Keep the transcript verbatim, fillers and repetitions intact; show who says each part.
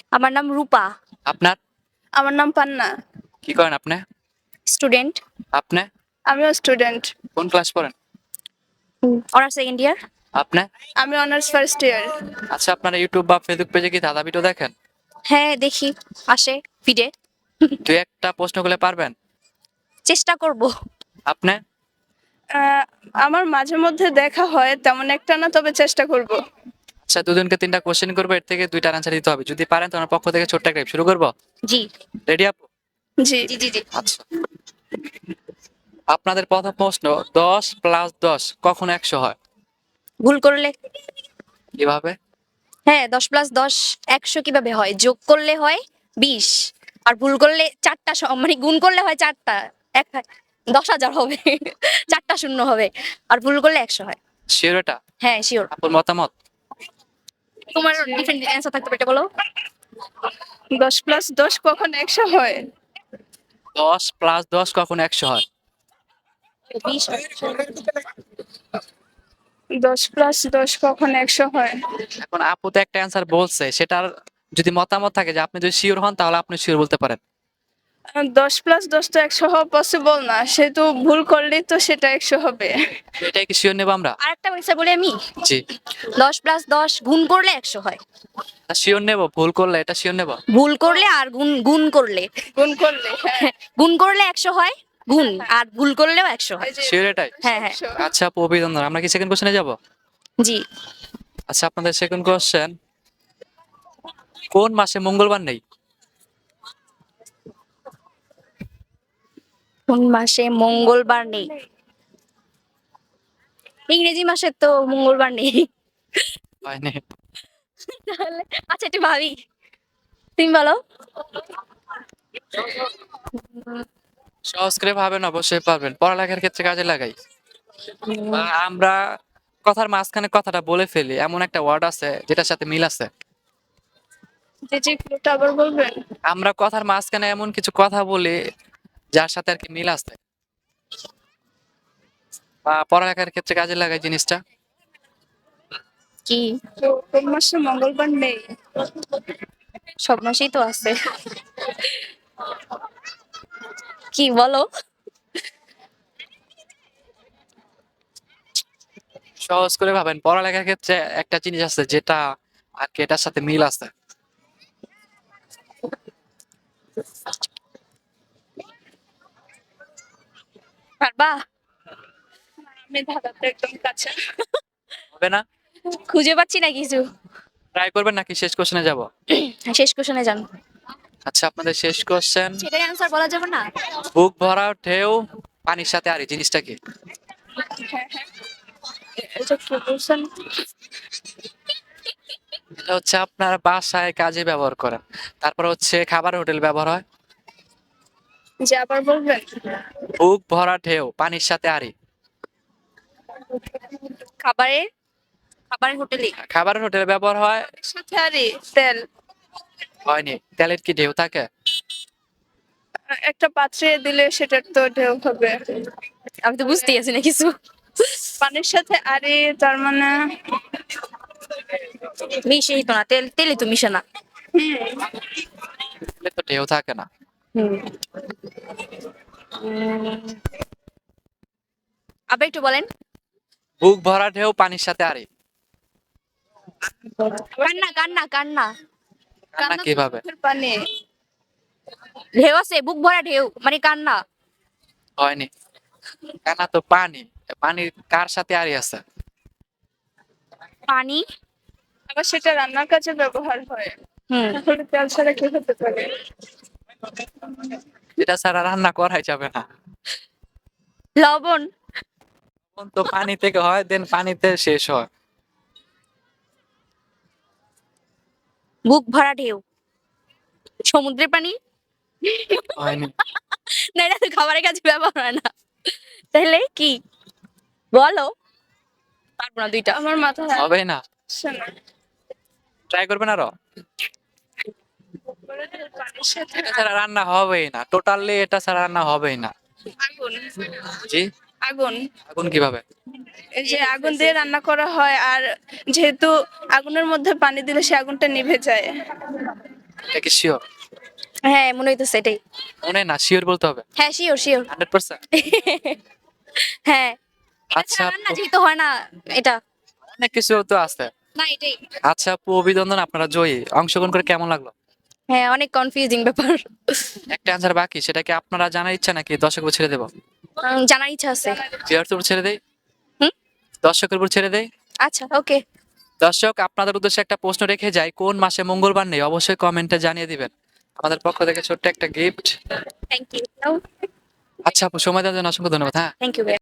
Speaker 1: আমার নাম রূপা।
Speaker 2: আপনার?
Speaker 3: আমার নাম পান্না।
Speaker 2: কি করেন আপনি?
Speaker 1: স্টুডেন্ট।
Speaker 2: আপনি?
Speaker 3: আমিও স্টুডেন্ট।
Speaker 2: কোন ক্লাস পড়েন?
Speaker 1: Honours second year.
Speaker 2: আপনি?
Speaker 3: আমি অনার্স ফার্স্ট ইয়ার।
Speaker 2: আচ্ছা, আপনারা ইউটিউব বা ফেসবুক পেজে কি দাদা ভিডিও দেখেন?
Speaker 1: হ্যাঁ দেখি, আসে ফিডে।
Speaker 2: দুই একটা প্রশ্ন করলে পারবেন?
Speaker 1: চেষ্টা করব।
Speaker 2: আপনি?
Speaker 3: আহ, আমার মাঝে মধ্যে দেখা হয়, তেমন একটা না, তবে চেষ্টা করব।
Speaker 2: আচ্ছা, দুজনকে তিনটা কোশ্চেন করবো, এর থেকে দুইটার আনসার দিতে হবে। যদি পারেন তোমার পক্ষ থেকে ছোট্ট একটা শুরু করবো।
Speaker 1: জি
Speaker 2: রেডি আপু?
Speaker 3: জি।
Speaker 1: জি জি জি।
Speaker 2: আচ্ছা, আপনাদের প্রথম প্রশ্ন, দশ প্লাস দশ কখন একশো হয়?
Speaker 1: ভুল করলে?
Speaker 2: কিভাবে?
Speaker 1: হ্যাঁ, দশ প্লাস দশ একশো কিভাবে হয়? যোগ করলে হয় বিশ, আর ভুল করলে চারটা স- মানে গুণ করলে হয় চারটা, এক দশ হাজার হবে। চারটা শূন্য হবে, আর ভুল করলে একশো হয়।
Speaker 2: শিওর এটা?
Speaker 1: হ্যাঁ শিওর।
Speaker 2: আপুর মতামত?
Speaker 1: তোমার ডিফারেন্ট অ্যান্সার থাকতে পারে, এটা বলো।
Speaker 3: দশ প্লাস দশ কখন একশো হয়?
Speaker 2: দশ প্লাস দশ কখন একশো হয়?
Speaker 1: বিশ।
Speaker 3: দশ প্লাস দশ কখন একশো হয়?
Speaker 2: এখন আপু তো একটা অ্যান্সার বলছে, সেটার যদি মতামত থাকে যে আপনি যদি শিওর হন তাহলে আপনি শিওর বলতে পারেন।
Speaker 3: আহ, দশ প্লাস দশ তো একশো হওয়া পসিবল না, সেহেতু ভুল করলেই তো সেটা একশো হবে।
Speaker 2: তো এটাই কি শিওর নেবো আমরা?
Speaker 1: আর একটা অ্যান্সার বলি আমি।
Speaker 2: জি।
Speaker 1: দশ প্লাস দশ গুণ করলে একশো হয়।
Speaker 2: শিওর নেবো, ভুল করলে এটা শিওর নেবো।
Speaker 1: ভুল করলে আর গুণ গুণ করলে,
Speaker 3: গুণ করলে, হ্যাঁ।
Speaker 1: গুণ করলে একশো হয় গুণ, আর ভুল করলেও একশো হয়।
Speaker 3: এই যে
Speaker 2: শিওর এটাই?
Speaker 1: হ্যাঁ হ্যাঁ।
Speaker 3: একশো।
Speaker 2: আচ্ছা আপু, অভিনন্দন। আমরা কি সেকেন্ড কোশ্চেনে যাব?
Speaker 1: জি।
Speaker 2: আচ্ছা, আপনাদের সেকেন্ড কোশ্চেন, কোন মাসে মঙ্গলবার নেই?
Speaker 1: কোন মাসে মঙ্গলবার নেই? ইংরেজি মাসে তো মঙ্গলবার নেই।
Speaker 2: হয়নি।
Speaker 1: তাহলে আচ্ছা একটু ভাবি, তুমি বলো।
Speaker 2: সহজ করে ভাবেন, অবশ্যই পারবেন, পড়ালেখার ক্ষেত্রে কাজে লাগাই। বা আমরা কথার মাঝখানে কথাটা বলে ফেলি, এমন একটা ওয়ার্ড আছে যেটার সাথে মিল আছে।
Speaker 3: জি জি, ক্লুটা আবার বলবেন?
Speaker 2: আমরা কথার মাঝখানে এমন কিছু কথা বলি যার সাথে আর কি মিল আছে, বা পড়ালেখার ক্ষেত্রে কাজে লাগাই জিনিসটা।
Speaker 1: কি?
Speaker 3: তো কোন মাসে মঙ্গলবার নেই?
Speaker 1: সব মাসেই তো আছে। কি বলো?
Speaker 2: সহজ করে ভাবেন, পড়ালেখার ক্ষেত্রে একটা জিনিস আছে যেটা আর কি এটার সাথে মিল আছে।
Speaker 1: পারবা?
Speaker 3: আমি ধাঁধাতে একদম কাছে।
Speaker 2: হবে না?
Speaker 1: খুঁজে পাচ্ছি না কিছু।
Speaker 2: ট্রাই করবেন নাকি শেষ কোশ্চেনে যাব?
Speaker 1: শেষ কোশ্চেনে যান।
Speaker 2: আচ্ছা, আপনাদের শেষ কোশ্চেন,
Speaker 1: সেটাই অ্যান্সার বলা যাবে না।
Speaker 2: বুক ভরা ঢেউ পানির সাথে আরি জিনিসটা কি?
Speaker 3: হ্যাঁ হ্যাঁ, এটা কি বলছেন?
Speaker 2: এটা হচ্ছে আপনার বাসায় কাজে ব্যবহার করেন, তারপর হচ্ছে খাবার হোটেল ব্যবহার হয়।
Speaker 3: যে আবার বলবেন?
Speaker 2: বুক ভরা ঢেউ পানির সাথে আরি।
Speaker 1: খাবারের খাবারের হোটেলে।
Speaker 2: খাবারের হোটেলে ব্যবহার হয়।
Speaker 3: সাথে আরে তেল।
Speaker 2: হয়নি। তেলের কি ঢেউ থাকে?
Speaker 3: একটা পাত্রে দিলে সেটার তো ঢেউ হবে।
Speaker 1: আমি তো বুঝতেই আছি না কিছু।
Speaker 3: পানির সাথে আরে, তার মানে
Speaker 1: মিশেই তো না, তেল তেলে তো মিশে না।
Speaker 2: তেলে তো ঢেউ থাকে না।
Speaker 1: আবার একটু বলেন।
Speaker 2: বুক ভরা ঢেউ পানির সাথে আরি।
Speaker 1: কান্না কান্না কান্না।
Speaker 2: কান্না কিভাবে?
Speaker 3: পানি।
Speaker 1: ঢেউ আছে, বুক ভরা ঢেউ মানে কান্না।
Speaker 2: হয়নি। কান্না তো পানি, পানির কার সাথে আরি আছে?
Speaker 1: পানি।
Speaker 3: আবার সেটা রান্নার কাজে ব্যবহার হয়।
Speaker 1: হুম।
Speaker 3: তাহলে তেল ছাড়া কি হতে পারে?
Speaker 2: যেটা ছাড়া রান্না করাই যাবে না।
Speaker 1: লবণ।
Speaker 2: তখন তো পানি থেকে হয়, দেন পানিতে শেষ হয়।
Speaker 1: বুক ভরা ঢেউ সমুদ্রের পানি।
Speaker 2: হয়নি।
Speaker 1: না, এটা তো খাবারের কাজে ব্যবহার হয় না। তাহলে কি বলো? পারবো না দুইটা।
Speaker 3: আমার মাথায়
Speaker 2: হবে না।
Speaker 3: আসছে না।
Speaker 2: ট্রাই করবেন আরো।
Speaker 3: পানির সাথে
Speaker 2: এটা ছাড়া রান্না হবেই না, টোটালি এটা ছাড়া রান্না হবেই না।
Speaker 3: আগুন।
Speaker 2: জি।
Speaker 3: আগুন।
Speaker 2: আগুন কিভাবে?
Speaker 3: এই যে আগুন দিয়ে রান্না করা হয়, আর যেহেতু আগুনের মধ্যে পানি দিলে সে আগুনটা নিভে যায়।
Speaker 2: এটা কি শিওর?
Speaker 1: হ্যাঁ মনে হইতেছে এটাই।
Speaker 2: মনে না, শিওর বলতে হবে।
Speaker 1: হ্যাঁ শিওর শিওর।
Speaker 2: Hundred percent.
Speaker 1: হ্যাঁ
Speaker 2: আচ্ছা
Speaker 1: আচ্ছা রান্না
Speaker 2: আপু,
Speaker 1: যেহেতু হয় না এটা।
Speaker 2: অনেক কিছু তো আছে।
Speaker 1: না এটাই।
Speaker 2: আচ্ছা আপু, অভিনন্দন, আপনারা জয়ী। অংশগ্রহণ করে কেমন লাগলো?
Speaker 1: হ্যাঁ অনেক কনফিউজিং ব্যাপার।
Speaker 2: একটা অ্যান্সার বাকি, সেটা কি আপনারা জানার ইচ্ছা নাকি দর্শকের উপর ছেড়ে দেবো?
Speaker 1: উম, জানার ইচ্ছা আছে।
Speaker 2: ভিউয়ার্সের উপর ছেড়ে দেই?
Speaker 1: হুম?
Speaker 2: দর্শকের উপর ছেড়ে দেই?
Speaker 1: আচ্ছা ওকে।
Speaker 2: দর্শক, আপনাদের উদ্দেশ্যে একটা প্রশ্ন রেখে যাই, কোন মাসে মঙ্গলবার নেই অবশ্যই কমেন্টে জানিয়ে দিবেন। আমাদের পক্ষ থেকে ছোট্ট একটা গিফট।
Speaker 1: Thank you.
Speaker 2: আচ্ছা আপু, সময় দেওয়ার জন্য অসংখ্য ধন্যবাদ। হ্যাঁ।
Speaker 1: Thank you.